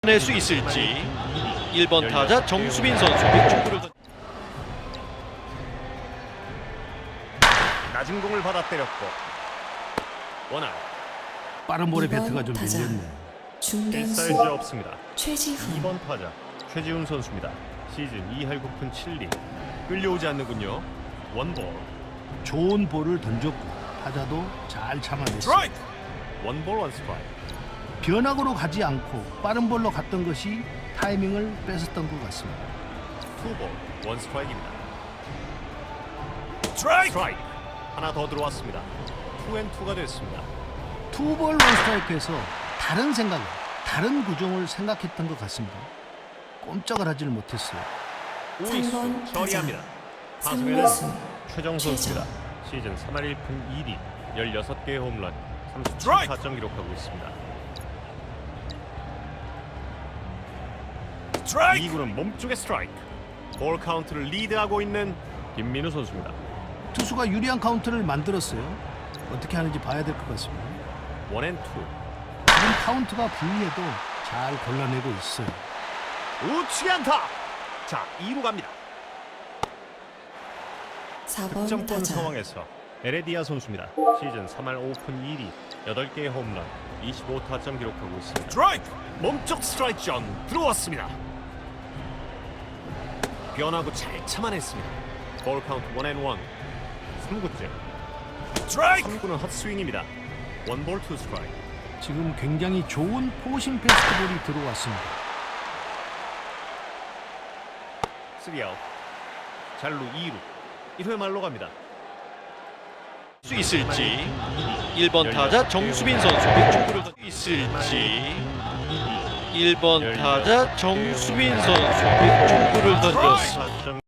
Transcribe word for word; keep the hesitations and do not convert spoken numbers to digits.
낼 수 있을지. 일 번 타자 정수빈 선수에게 축구를 던... 낮은 공을 받아 때렸고 원아웃. 빠른 볼의 이번 배트가 좀 타자. 밀렸네. 중견수 사이즈 없습니다. 최지훈 이 번 타자 최지훈 선수입니다. 시즌 이 할 구 푼 칠 리. 끌려오지 않는군요. 원볼. 좋은 볼을 던졌고 타자도 잘 참아냈어. 스트라이크. 원볼 원스트라이크. 변화구로 가지 않고 빠른 볼로 갔던 것이 타이밍을 뺏었던 것 같습니다. 투볼 원스트라이크입니다. 스트라이크. 하나 더 들어왔습니다. 투앤투가 됐습니다. 투볼 원스트라이크에서 다른 생각을, 다른 구종을 생각했던 것 같습니다. 꼼짝을 하지를 못했어요. 우익수 삼 번 처리합니다. 타자. 타석에는 삼루수 최정 선수입니다. 시즌 삼 할 일 푼 이 리, 열여섯 개의 홈런, 삼십칠 타점 기록하고 있습니다. 이 구는 몸쪽의 스트라이크. 볼 카운트를 리드하고 있는 김민우 선수입니다. 투수가 유리한 카운트를 만들었어요. 어떻게 하는지 봐야 될 것 같습니다. 원앤투. 지금 카운트가 불리해도 잘 골라내고 있어요. 우측에 안타. 자, 이 루 갑니다. 사 번 득점권 타자 상황에서 에레디아 선수입니다. 시즌 삼 할 오 푼 이 리, 여덟 개의 홈런, 이십오 타점 기록하고 있습니다. 스트라이크! 몸쪽 스트라이크 존 들어왔습니다. 변화구 잘 참아냈습니다. 볼 카운트 원앤원. 삼 구째. 스트라이크! 삼 구는 헛스윙입니다. 원볼 투 스트라이크. 지금 굉장히 좋은 포싱 패스트볼이 들어왔습니다. 쓰리 아웃. 잘루 이 루. 일 회 말로 갑니다. 수 있을지. 일 번 타자 정수빈 선수에게 축구를 던... 있을지. 일 번 타자 정수빈 선수에게 축구를 던졌습니다.